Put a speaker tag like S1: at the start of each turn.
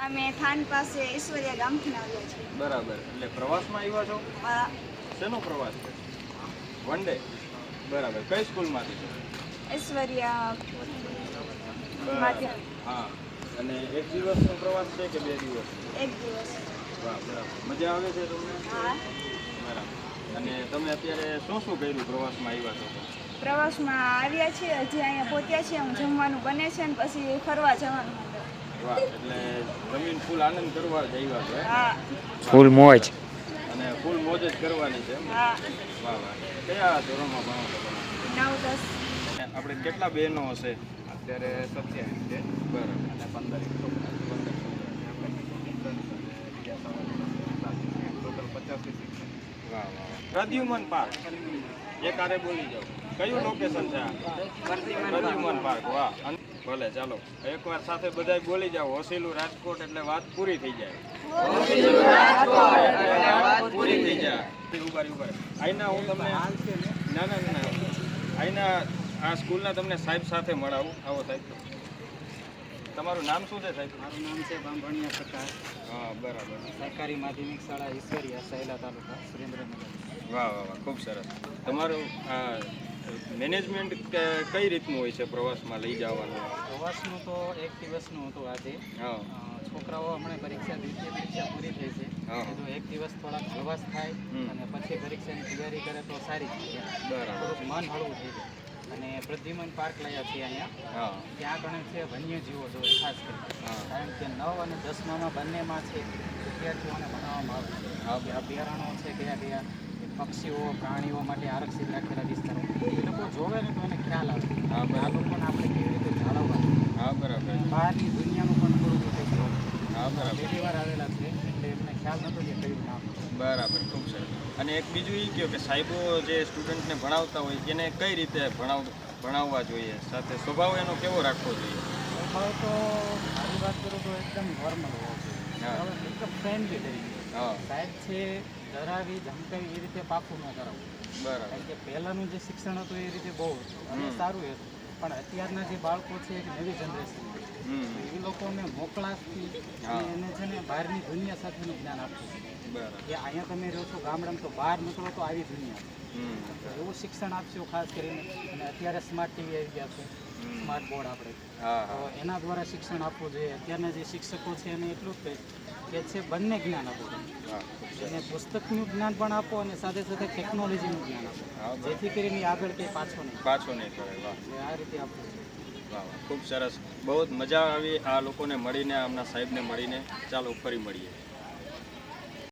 S1: અમે થાન પાસે ઈશ્વરિયા ગામથી આવ્યા છીએ.
S2: બરાબર, એટલે પ્રવાસમાં આવ્યા છો?
S1: હા.
S2: શેનો પ્રવાસ છે? One day. બરાબર, કઈ સ્કૂલમાંથી છો?
S1: ઈશ્વરિયા
S2: બરાબર.
S1: માધ્યમિક.
S2: હા, અને એક દિવસનો પ્રવાસ છે કે 2 દિવસ?
S1: એક દિવસ.
S2: વાહ, બરાબર. મજા આવે છે તમને?
S1: હા.
S2: બરાબર. અને તમે અત્યારે શું શું કર્યું પ્રવાસમાં આવ્યા છો તો?
S1: પ્રવાસમાં આવ્યા છીએ, હજી અહીંયા પહોંચ્યા છીએ. હું જમવાનું બને છે ને પછી ફરવા જવાનું.
S2: વાહ, એટલે જમીન ફૂલ આનંદ કરવા જ આવ્યા છો?
S1: હા.
S3: ફૂલ મોજ.
S2: અને ફૂલ મોજ જ કરવાની છે એમ?
S1: હા.
S2: વાહ વાહ. કયા ધોરણમાં ભણો છો તમે?
S1: 9-10.
S2: આપણે કેટલા બહેનો હશે?
S4: અત્યારે 27 છે.
S2: બરાબર.
S4: અને 15 છોકરા.
S2: 15 છોકરા.
S4: ટોટલ 85 શિક્ષક.
S2: વાહ વાહ વાહ. પ્રદ્યુમન પાર્ક, એક આરે બોલી જાઓ. કયું લોકેશન છે આ? પ્રદ્યુમન પાર્ક. વાહ. ભલે, ચાલો એકવાર સાથે બધાય બોલી જાઓ. હોસીલું રાજકોટ એટલે વાત પૂરી થઈ જાય. પૂરી થઈ જાય. ઉભા આઈના હું તમને ના આઈના આ સ્કૂલના તમને સાહેબ સાથે મળાવું. આવો સાહેબ. તમારું નામ શું છે સાહેબ?
S5: મારું નામ છે બાંભણિયા પ્રકાશ.
S2: હા, બરાબર.
S5: સરકારી માધ્યમિક શાળા ઈશ્વરિયા સહેલા તાલુકા સુરેન્દ્રનગર.
S2: વાહ વાહ વાહ, ખૂબ સરસ. તમારું મેનેજમેન્ટ કઈ રીતનું હોય છે પ્રવાસમાં લઈ જવાનું?
S5: પ્રવાસનું તો એક દિવસનું હતું આજે.
S2: હા.
S5: છોકરાઓ હમણાં દ્વિતીય પરીક્ષા પૂરી થઈ છે.
S2: હા.
S5: તો એક દિવસ થોડાક હળવાશ થાય અને પછી પરીક્ષાની તૈયારી કરે તો સારી થાય.
S2: બરાબર.
S5: થોડુંક મન હળવું થઈ જાય. અને પ્રદ્યુમન પાર્ક લાવ્યા છીએ અહીંયા.
S2: હા.
S5: ત્યાં આગળ છે વન્યજીવો જોઈએ ખાસ કરીને.
S2: હા.
S5: કારણ કે 9 અને 10માં બંનેમાં છે વિદ્યાર્થીઓને ભણાવવામાં આવે છે. કે અભયારણ્યો છે કયા પક્ષીઓ પ્રાણીઓ માટે આરક્ષિત રાખેલા વિસ્તારો એ લોકો જોવે ને તો એને ખ્યાલ આવે.
S2: હા,
S5: આ લોકોને આપણે કેવી રીતે જાળવવા.
S2: હા, બરાબર.
S5: બહારની દુનિયાનું પણ થોડું બધું જોવું.
S2: હા, બરાબર.
S5: પહેલી વાર આવેલા છે એટલે એમને ખ્યાલ નહોતો કે કયું નામ.
S2: બરાબર, ખૂબ સરસ. અને એક બીજું એ કહ્યું કે સાહેબો જે સ્ટુડન્ટને ભણાવતા હોય એને કઈ રીતે ભણાવવા જોઈએ, સાથે સ્વભાવ એનો કેવો રાખવો જોઈએ?
S5: સ્વભાવ તો મારી વાત કરું તો એકદમ નોર્મલ હોવો જોઈએ.
S2: હા.
S5: એકદમ ફ્રેન્ડલી તરીકે.
S2: હા.
S5: સાહેબ છે ડરાવી ધમકાવી એ રીતે પાકું ન કરાવવું.
S2: બરાબર.
S5: કારણ કે પહેલાંનું જે શિક્ષણ હતું એ રીતે બહુ હતું અને સારું હતું. પણ અત્યારના જે બાળકો છે એક નવી જનરેશન એ લોકોને મોકળાશથી એને છે ને બહારની દુનિયા સાથેનું જ્ઞાન આપવું.
S2: બરાબર.
S5: કે અહીંયા તમે રહો છો ગામડામાં તો બહાર નીકળો તો આવી દુનિયા છે. એવું શિક્ષણ આપશો ખાસ કરીને. અને અત્યારે સ્માર્ટ ટીવી આવી ગયા છે, સ્માર્ટ બોર્ડ આપણે.
S2: હા.
S5: તો એના દ્વારા શિક્ષણ આપવું જોઈએ. અત્યારના જે શિક્ષકો છે એને એટલું જ કે છે બંને જ્ઞાન આપો તમે. અને પુસ્તકનું જ્ઞાન પણ આપો અને સાથે સાથે ટેકનોલોજીનું જ્ઞાન આપો. જેથી કરીને આગળ કંઈ પાછો નહીં
S2: કરે. વાહ.
S5: આ રીતે આપવું.
S2: વાહ વાહ, ખૂબ સરસ. બહુ જ મજા આવી આ લોકોને મળીને, આમના સાહેબને મળીને. ચાલો ફરી મળીએ.